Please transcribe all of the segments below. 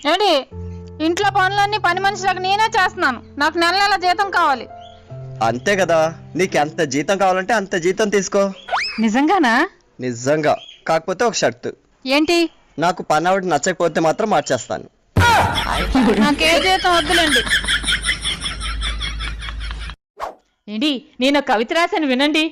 ఏంటి ఇంట్లో పనులన్నీ పని మనిషిలకు నేనే చేస్తున్నాను. నాకు నెల నెల జీతం కావాలి. అంతే కదా, నీకు ఎంత జీతం కావాలంటే అంత జీతం తీసుకో. నిజంగానా? నిజంగా. కాకపోతే ఒక షర్తు. ఏంటి? నాకు పని ఆవిడ నచ్చకపోతే మాత్రం మార్చేస్తాను. నాకే జీతం వద్దులేండి. ఏంటి, నేను కవిత రాశాను వినండి.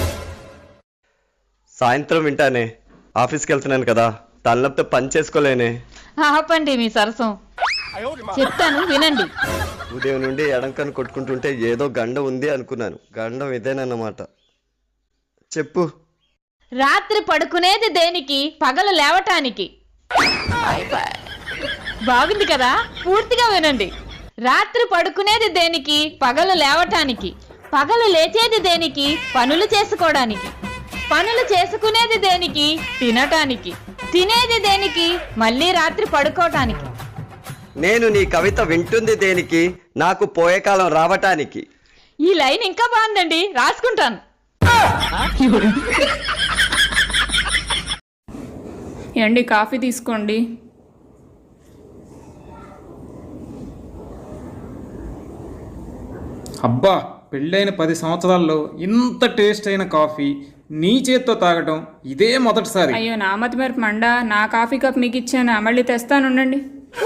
సాయంత్రం వింటానే, ఆఫీస్కి వెళ్తున్నాను కదా, తలనొప్పితో పని చేసుకోలేనే. ఆపండి మీ సరసం, చెప్తాను వినండి. ఉదయం నుండి ఎడంకను కొట్టుకుంటుంటే ఏదో గండం ఉంది అనుకున్నాను. గండం ఇదేనన్నమాట. చెప్పు. రాత్రి పడుకునేది దేనికి, పగలు లేవటానికి. బాగుంది కదా, పూర్తిగా వినండి. రాత్రి పడుకునేది దేనికి, పగలు లేవటానికి. పగలు లేచేది దేనికి, పనులు చేసుకోవడానికి. పనులు చేసుకునేది దేనికి, తినటానికి. తినేది దేనికి, మళ్ళీ రాత్రి పడుకోవటానికి. నేను నీ కవిత వింటుంది దేనికి, నాకు పోయే కాలం రావటానికి. ఈ లైన్ ఇంకా బాగుందండి, రాసుకుంటాను. ఏండి కాఫీ తీసుకోండి. అబ్బా, పెళ్ళైన 10 సంవత్సరాల్లో ఇంత టేస్ట్ అయిన కాఫీ నీ చేత్తో తాగటం ఇదే మొదటిసారి. అయ్యో, నా మతి మరి మండా. నా కాఫీ కప్ మీకు ఇచ్చాను, మళ్ళీ తెస్తానుండండి.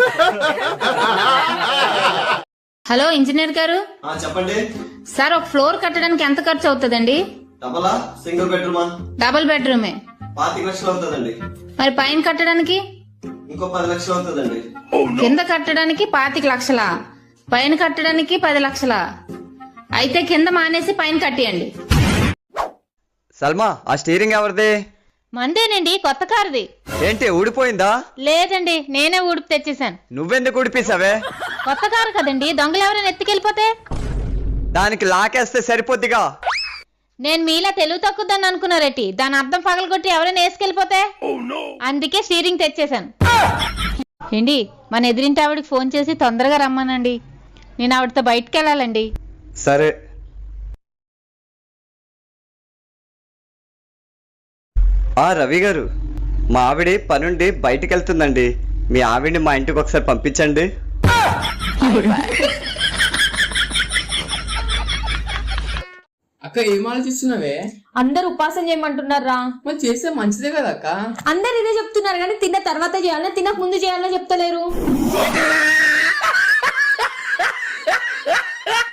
హలో ఇంజనీర్ గారు. చెప్పండి సార్, ఒక ఫ్లోర్ కట్టడానికి ఎంత ఖర్చు అవుతుందండి? డబలా సింగిల్ బెడ్రూమా? డబుల్ బెడ్రూమే. 25 లక్షలు అవుతుందండి. మరి పైన కట్టడానికి? ఇంకో 10 లక్షలు అవుతుందండి. కింద కట్టడానికి 25 లక్షలా, పైన కట్టడానికి 10 లక్షలా? అయితే కింద మానేసి పైన కట్టియండి. సల్మా, ఆ స్టీరింగ్ ఎవరిది? మందేనండి, కొత్త కారుది. ఏంటి ఊడిపోయిందా? లేదండి, నేనే ఊడిపి తెచ్చేసాను. నువ్వెందుకు ఊడిపేసావే? కొత్త కారు కదండి, దొంగలు ఎవరైనా ఎత్తుకెళ్ళిపోతే. దానికి లాకేస్తే సరిపోద్దిగా. నేను మీలా తెలుగు తక్కువదని అనుకున్నారేటి? దాని అర్థం పగలగొట్టి ఎవరైనా వేసుకెళ్ళిపోతే. అందుకే స్టీరింగ్ తెచ్చేసాను. ఏంటి, మన ఎదురింటి ఆవిడకి ఫోన్ చేసి తొందరగా రమ్మనండి, నేను ఆవిడతో బయటకు వెళ్ళాలండి. సరే. రవి గారు, మా ఆవిడ పనుండి బయటికి వెళ్తుందండి. మీ ఆవిడ్ని మా ఇంటికి ఒకసారి పంపించండి. అక్క, ఏం ఆలోచిస్తున్నావే? అందరు ఉపాసన చేయమంటున్నారా? మరి చేస్తే మంచిదే కదా అక్క. అందరు ఇదే చెప్తున్నారు కానీ తిన్న తర్వాత చేయాలని, తినక ముందు చేయాలని చెప్తలేరు.